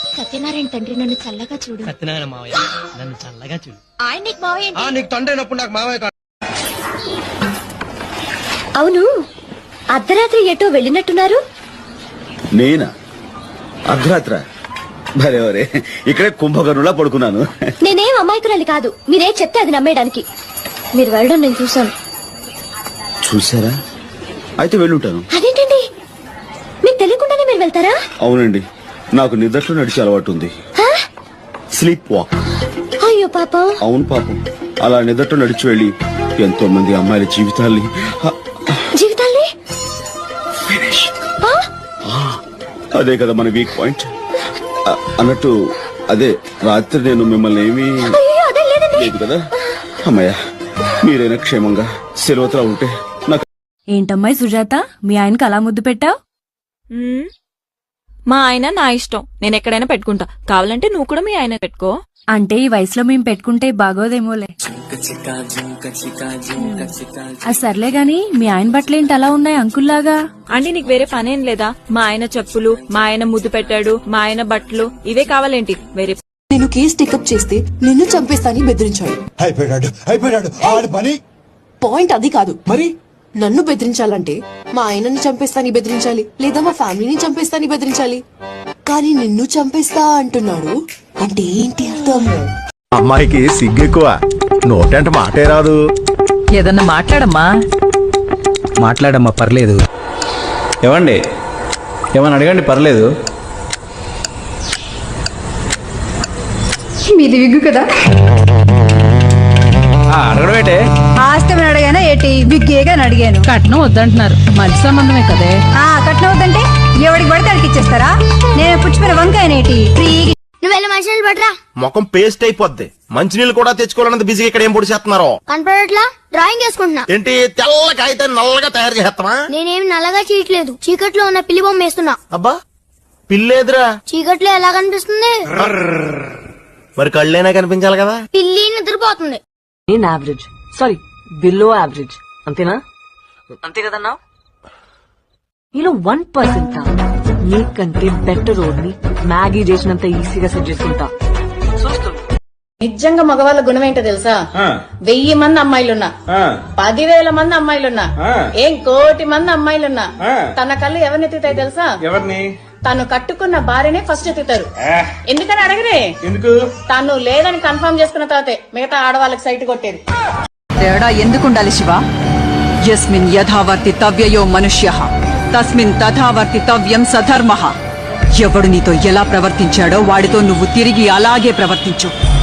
సత్యనారాయణ తండ్రి నన్ను చల్లగా చూడు. సత్యనారాయణ మావయ్య నన్ను చల్లగా చూడు. ఆయన నీకు మావయ్య. నీకు తండ్రి అయినప్పుడు నాకు మావయ్య కాదు. అవును, అర్ధరాత్రి ఎటో వెళ్ళినట్టున్నారు. నేనా? అర్ధరాత్ర? భలేవరే, ఇక్కడే కుంభకర్ణులా పడుకున్నాను. నేనేం అమాయకురాలి కాదు, మీరే చెప్తే అది నమ్మేయడానికి. మీరు వెళ్ళడం నేను చూశాను. చూసారా? అయితే వెళ్ళుంటాను. అదేంటండి, మీకు తెలియకుండానే మీరు వెళ్తారా? అవునండి, నాకు నిద్రలో నడిచే అలవాటు ఉంది. Sleep walk. అయ్యో పాపం. అవును పాపం, అలా నిద్రలో నడిచి వెళ్ళి ఎంతో మంది అమ్మాయిల జీవితాల్ని అదే కదా మన వీక్ పాయింట్. అన్నట్టు అదే రాత్రి నేను మిమ్మల్ని ఏమీ లేదు కదా. అమ్మయ్య, మీరైనా క్షేమంగా సెలవుతలా ఉంటే నాకు. ఏంటమ్మాయి సుజాత, మీ ఆయనకి అలా ముద్దు పెట్టావు? మా ఆయన నా ఇష్టం, నేను ఎక్కడైనా పెట్టుకుంటా. కావాలంటే నువ్వు కూడా మీ ఆయన పెట్టుకో. అంటే ఈ వయసులో మేము పెట్టుకుంటే బాగోదేమోలే. సర్లే గాని మీ ఆయన బట్టలేంటి అలా ఉన్నాయి అంకుల్లాగా? అంటే నీకు వేరే పనేం లేదా? మా ఆయన చెప్పులు, మా ఆయన ముద్దు పెట్టాడు, మా ఆయన బట్టలు, ఇవే కావాలేంటి? వేరే నేను కేసు టేకప్ చేస్తే నిన్ను చంపేస్తానని బెదిరించాడు. అయిపోయాడు ఆడి పని. పాయింట్ అది కాదు. మరి నన్ను బెదిరించాలంటే మా ఆయనని చంపేస్తాని బెదిరించాలి, లేదా మా ఫ్యామిలీని చంపేస్తాని బెదిరించాలి. కానీ నిన్ను చంపేస్తా అంటున్నాడు అంటే ఏంటి అర్థం? అమ్మాయికి సిగ్గెక్కువ, నోటంటే మాటే రాదు. ఏదన్నా మాట్లాడమ్మా పర్లేదు. ఏమండి, ఏమని అడగండి పర్లేదు. మీది విగ్గు కదా? అడగడం ఏంటే? ఆస్తి అడిగానా ఏటి? విగ్గేగా అడిగాను. కట్నం వద్దంటున్నారు, మంచి సంబంధమే కదే. కట్నం వద్దంటే ఎవడికి పడితే అడిగి ఇచ్చేస్తారా? నేను పుచ్చిపోయిన వంకాయనేటి నువ్వు వెళ్ళి మంచినీళ్ళు పట్టరా. ముఖం పేస్ట్ అయిపోద్ది. మంచినీళ్ళు కూడా తెచ్చుకోవాలన్నది బిజీగా ఇక్కడ ఏం పొడి చేస్తున్నారు? కనపడట్లా? డ్రాయింగ్ వేసుకుంటున్నా. ఏంటి తెల్ల కాగితాన్ని నల్లగా తయారు చేస్తావా? నేనేం నల్లగా చేయట్లేదు, చీకట్లో ఉన్న పిల్లి బొమ్మ వేస్తున్నా. అబ్బా, పిల్లేదురా. చీకట్లో ఎలా కనిపిస్తుంది? మరి కళ్ళైనా కనిపించాలి కదా. పిల్లి నిద్రపోతుంది. నేను యావరేజ్, సారీ బిలో యావరేజ్, అంతేనా? అంతే కదన్నా? నీలో 1% నీకంటే బెటర్ రోడ్ని మ్యాగీ చేసినంత ఈజీగా సెట్ చేసుకుంటా. నిజంగా మగవాళ్ళ గుణం ఏంటో తెలుసా? 1000 మంది అమ్మాయిలున్నా, 10,000 మంది అమ్మాయిలున్నా, ఏం 1,00,00,000 మంది అమ్మాయిలున్నా, తన కళ్ళు ఎవరిని ఎత్తుతాయి తెలుసా? ఎవరిని? తను కట్టుకున్న భార్యనే ఫస్ట్ ఎత్తుతారు. ఎందుకని అడగరే? ఎందుకు? తను లేదని కన్ఫర్మ్ చేసుకున్న తర్వాతే మిగతా ఆడవాళ్ళకి సైట్ కొట్టేది. తేడా ఎందుకుండాలి శివ? యస్మిన్ యథావర్తి తవ్యయో మనుష్యః తస్మిన్ తథావర్తి తవ్యం సధర్మః. ఎవడు నీతో ఎలా ప్రవర్తించాడో వాడితో నువ్వు తిరిగి అలాగే ప్రవర్తించు.